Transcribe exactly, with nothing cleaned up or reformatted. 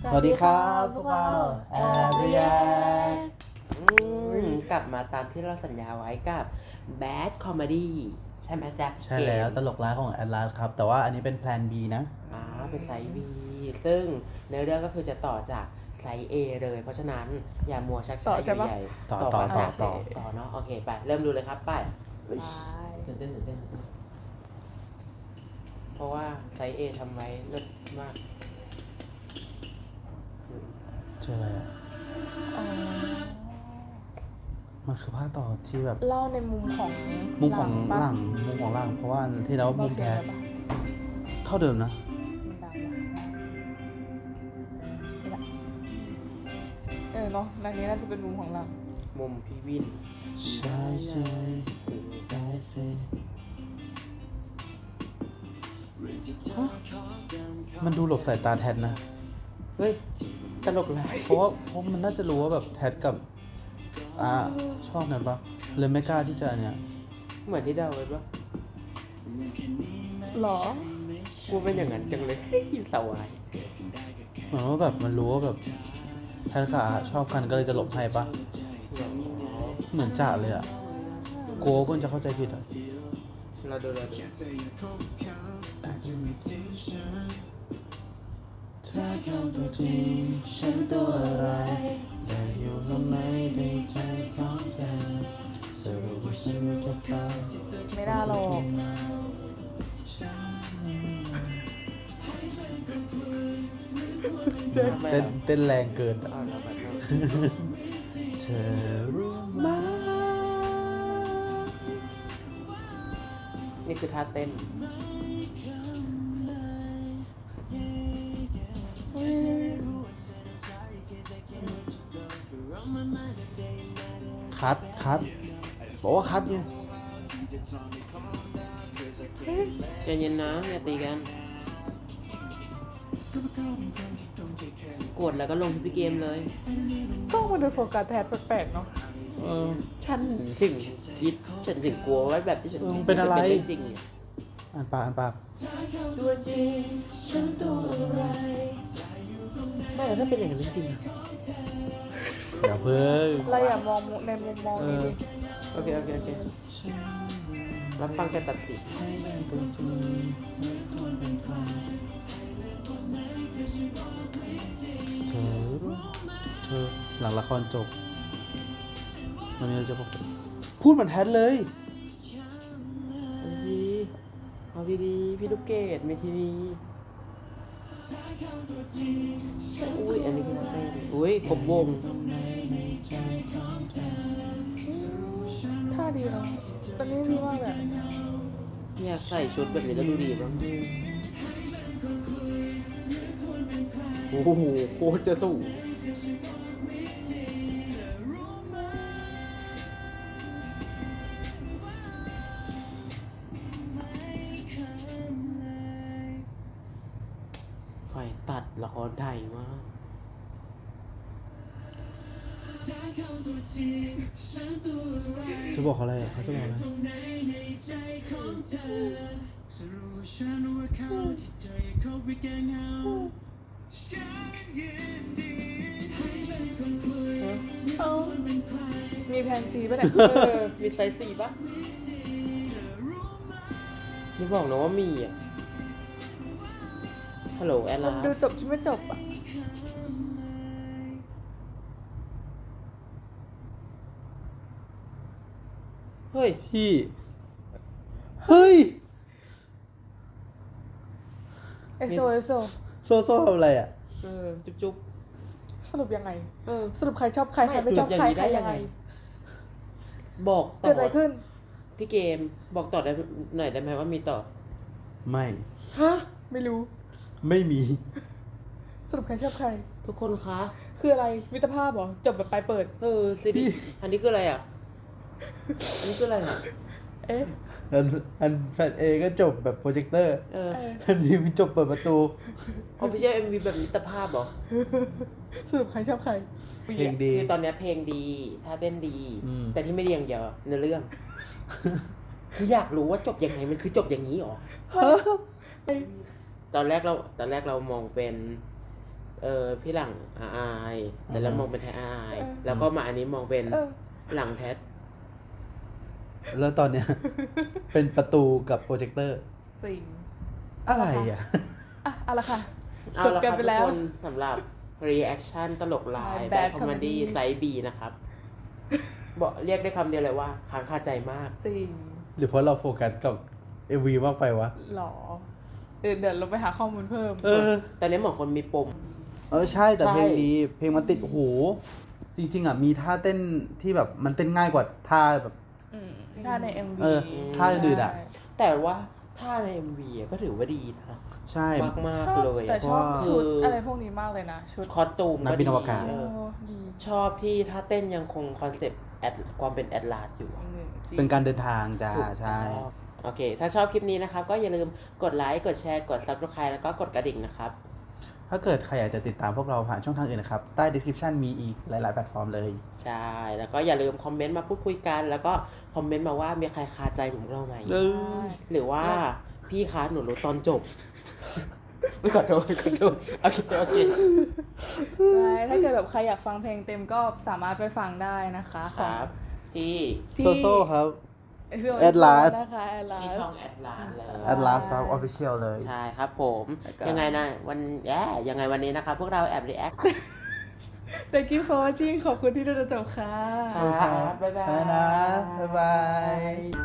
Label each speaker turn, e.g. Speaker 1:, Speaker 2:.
Speaker 1: สวัสดีครับพวกเราแอเรีย
Speaker 2: กลับมาตามที่เราสัญญาไว้กับ Bad Comedy ใช่ไหมแจ๊บ
Speaker 1: ใช่แล้วตลกร้ายของแอดลาสครับ แต่ว่าอันนี้เป็นแพลน B นะ
Speaker 2: อ่าเป็นไซส์ B ซึ่งในเรื่องก็คือจะต่อจากไซส์ A เลย เพราะฉะนั้นอย่ามัวชักช้าอยู่ใหญ่
Speaker 1: ต่อต่อต่อต่อ
Speaker 2: ต่อเนาะโอเคไปเริ่มดูเลยครับไปตื่นเต้นตื่นเต้นเพราะว่าไซส์ A ทำไว้เลิศมาก
Speaker 1: เจออะไรอ่ะ มันคือภาคต่อที่แบบ
Speaker 3: เล่าในมุมของ
Speaker 1: มุมของ
Speaker 3: ปะ
Speaker 1: หลังมุมของหลัง เพราะว่าที่แล้วมุม
Speaker 3: เสีย
Speaker 1: แท้
Speaker 3: งเลยปะ
Speaker 1: เท่าเดิมนะ
Speaker 3: มันดังวะนี่แหละเออเนาะดังนี้น่าจะเป็นมุมของเรา
Speaker 2: มุมพี่วิน
Speaker 1: ใช่ใช่ได้สิฮะมันดูหลบสายตาแทนนะ
Speaker 2: เฮ้ยตลกร้าย
Speaker 1: เพราะว่าเพราะมันน่าจะรู้ว่าแบบแทดกับอ่าชอบกันปะเลยไม่กล้าที่จะเนี่ย
Speaker 2: เหมือนที่เดาไว้ปะ
Speaker 3: หรอ
Speaker 2: กูเป็นอย่างนั้นจังเลยเฮ้ยสวาย
Speaker 1: เหมือนว่าแบบมันรู้ว่าแบบแพทกับอาชอบกันก็เลยจะหลบให้ปะเหมือนจ่าเลยอะโก้เพิ่งจะเข้าใจผิดอะ
Speaker 2: เราดูเราดู
Speaker 1: ถ้าเขาตัวจริงฉันตัวอะไรแต่อยู่ตรงไหนในใจของเธอสรุปว่าฉันจะไป
Speaker 3: ไม่น่าหรอก
Speaker 1: เต้นเต้นแรงเกินอะ
Speaker 2: เอาเราแบบนั้น
Speaker 1: เธอรู้ไหม
Speaker 2: นี่คือท่าเต้น
Speaker 1: คัดคัดบอกว่าคัดไง
Speaker 2: ใจเย็นนะอย่าตีกันกดแล้วก็ลงที่พี่เกมเลย
Speaker 3: กล้องมันดูโฟกัสแพทแปลกๆเนาะ
Speaker 1: เออ
Speaker 2: ฉันถึงคิดฉันถึงกลัวไว้แบบที่ฉัน
Speaker 1: เออ
Speaker 2: คิด
Speaker 1: เป็นอะไร
Speaker 2: ว่าจริงๆอะ
Speaker 1: อ่านปากอ่านปาก
Speaker 2: ตัวจริงฉันตัวอะไรไม่แล้วถ้าเป็นอย่างนั้นจริงๆอะ
Speaker 1: อย่าเพิ่ง
Speaker 3: เราอย่ามองในมุมมองนี้ดิ
Speaker 2: โอเคโอเคโอเค รับฟังแต่ตัดสิน
Speaker 1: เธอรู้เธอหลังละครจบมันมีอะไรจะบอกพูดเหมือนแทนเลย
Speaker 2: เอาดีเอาดีๆพี่ลูกเกดเมทีนีอุ้ยอันนี้คือท่าเต้นอุ้ยกบวง
Speaker 3: ท่าดีเนาะตอนนี้ดีมากเลย
Speaker 2: อยากใส่ชุดแบบนี้แล้วดูดีบ้างโอ้โหโคตรจะสูงไฟตัดละครไทยมาก
Speaker 1: จะบอกเขาอะไรเขาจะบอกอะไร
Speaker 3: เอ้ามีแพนซีป่ะเนี่ย
Speaker 2: เออ มีไซส์สี่ปะนี่บอกนะว่ามีอ่ะ ฮัลโหลแอล
Speaker 3: มั
Speaker 2: ลาน
Speaker 3: ดูจบที่ไม่จบอ่ะ
Speaker 2: เฮ้ย
Speaker 1: พี่ เฮ้ย
Speaker 3: เอโซเอโซ
Speaker 1: โซโซ่ทำอะไรอ่ะ
Speaker 2: เออ จุ๊บจุ๊บ
Speaker 3: สรุปยังไง
Speaker 2: เออ
Speaker 3: สรุปใครชอบใครใครไม่ชอบ
Speaker 2: ไม่
Speaker 3: ใคร
Speaker 2: อย่างนี้
Speaker 3: ใคร
Speaker 2: ได้ยั
Speaker 3: ยัง ง
Speaker 2: ไง
Speaker 3: ไง
Speaker 2: บอกต่
Speaker 3: เกิดอะไร
Speaker 2: อ
Speaker 3: ขึ้น
Speaker 2: พี่เกม บอกต่อได้หน่อยได้ไหมว่ามีต่อ
Speaker 1: ไม่
Speaker 2: ฮะ
Speaker 3: ไม่รู้
Speaker 1: ไม่มี
Speaker 3: สรุปใครชอบใคร
Speaker 2: ทุกคนคะ
Speaker 3: คืออะไรมิตรภาพเหรอ จบแบบปลายเปิด
Speaker 2: เออซีดีอันนี้คืออะไรอ่ะ อันนี้คืออะไรอ่ะ
Speaker 3: เอ๊ะ
Speaker 1: อันอันแฟนเอก็จบแบบโปรเจคเตอร์
Speaker 2: เออ
Speaker 3: เออ
Speaker 1: อันนี้มีจบเปิดประตู
Speaker 2: ออฟฟิเชียลเอ็มวีแบบมิตรภาพเหรอ
Speaker 3: สรุปใครชอบใคร
Speaker 1: เพลงดี
Speaker 2: คือตอนเนี้ยเพลงดีท่าเต้นดี
Speaker 1: อืม
Speaker 2: แต่ที่ไม่ดีอย่างเดียวเนื้อเรื่อง คืออยากรู้ว่าจบยังไงมันคือจบอย่างนี้หรอ ตอนแรกเราตอนแรกเรามองเป็นเออพี่หลังอาอายแต่แล้ว
Speaker 1: อือฮึ
Speaker 2: มองเป็นแท้อาอาย
Speaker 3: เออ
Speaker 2: แล้วก็มาอันนี้มองเป็น
Speaker 3: เออ
Speaker 2: หลังแท้
Speaker 1: แล้วตอนเนี้ย เป็นประตูกับโปรเจคเตอร์
Speaker 3: จริง
Speaker 1: อะไรอ่ะ
Speaker 3: อ่ะเอาละค่ะ
Speaker 2: เอา
Speaker 3: จบ
Speaker 2: ละ
Speaker 3: กั
Speaker 2: คน รับ
Speaker 3: ไป
Speaker 2: ทุก
Speaker 3: แล้ว
Speaker 2: คนสำหรับ reaction ตลกลาย
Speaker 3: Bad
Speaker 2: แบดคอมเม
Speaker 3: Comedy
Speaker 2: ดี้ไซส์ B นะครับบอกเรียกได้คำเดียวเลยว่าค้างคาใจมาก
Speaker 3: จริง
Speaker 1: หรือเพราะเราโฟกัสกับ เอ็ม วี มากไปวะ
Speaker 3: หรอเดี๋ยวเดี๋ยวเราไปหาข้อมูลเพิ่ม
Speaker 1: เออ
Speaker 2: ตอนนี้เหมือนคนมีปม
Speaker 1: เออใช่แต่
Speaker 2: ใช่
Speaker 1: เพลงดี เพลงมันติดหู จริง ๆอ่ะมีท่าเต้นที่แบบมันเต้นง่ายกว่าท่าแบบ
Speaker 3: อืมถ้าใน เอ็ม วี
Speaker 1: เออถ้าอื่นๆอะ
Speaker 3: ใช่
Speaker 2: แต่ว่าถ้าใน เอ็ม วี ก็ถือว่าดีนะ
Speaker 1: ใช่
Speaker 2: มากมาก
Speaker 3: ชอบ
Speaker 2: ๆเลย
Speaker 3: แต่
Speaker 2: อะ
Speaker 3: ชอบ
Speaker 1: เพราะว่า
Speaker 3: ชุด
Speaker 2: คืออ
Speaker 3: อะไรพวกนี้มากเลยนะ ชุด
Speaker 2: คอสตูม
Speaker 1: นัก
Speaker 2: ก็
Speaker 1: บิน
Speaker 2: ดี
Speaker 1: อวกาศ
Speaker 2: เออ
Speaker 3: โอ้ดี
Speaker 2: ชอบที่ท่าเต้นยังคงคอนเซปต์แอดความเป็นแอดลาสอยู่อะ
Speaker 3: อืมจริง
Speaker 1: เป็นการเดินทางจ้า
Speaker 2: ถูก
Speaker 1: ใช่
Speaker 2: ต้องโอเค ถ้าชอบคลิปนี้นะครับ ก็อย่าลืมกดไลค์ กดแชร์ กด Subscribe แล้วก็กดกระดิ่งนะครับ
Speaker 1: ถ้าเกิดใครอยากจะติดตามพวกเราผ่านช่องทางอื่นนะครับ ใต้ description มีอีกหลาย ๆ แพลตฟอร์มเลย
Speaker 2: ใช่ แล้วก็อย่าลืมคอมเมนต์มาพูดคุยกัน แล้วก็คอมเมนต์มาว่ามีใครคาใจเหมือนพวกเราไหม
Speaker 1: เออ
Speaker 2: หรือว่าพี่คะหนูรู้ตอนจบ ไม่ขอโทษขอโทษโอเคโอเค
Speaker 3: ใช่ถ้าเกิดแบบใครอยากฟังเพลงเต็มก็สามารถไปฟังได้นะคะ
Speaker 2: ค
Speaker 3: ของ
Speaker 2: รับ ที่
Speaker 3: ที่
Speaker 1: โซโซ่ครับ
Speaker 3: เอ
Speaker 1: Atlas
Speaker 3: นะคะแอดลา
Speaker 2: ที่
Speaker 3: ส
Speaker 2: ช่องแอดลาสเลย
Speaker 1: Atlas ครับ official เลย
Speaker 2: ใช่ครับผม
Speaker 3: แล้วก็
Speaker 2: ยังไงนะวันแย่ยังไงวันนี้นะครับ พวกเราแอบรีแอค
Speaker 3: Thank you for watching ขอบคุณที่ดูจนจบค่ะ
Speaker 2: ครับบ๊ายบาย
Speaker 1: ไปนะ บ๊ายบาย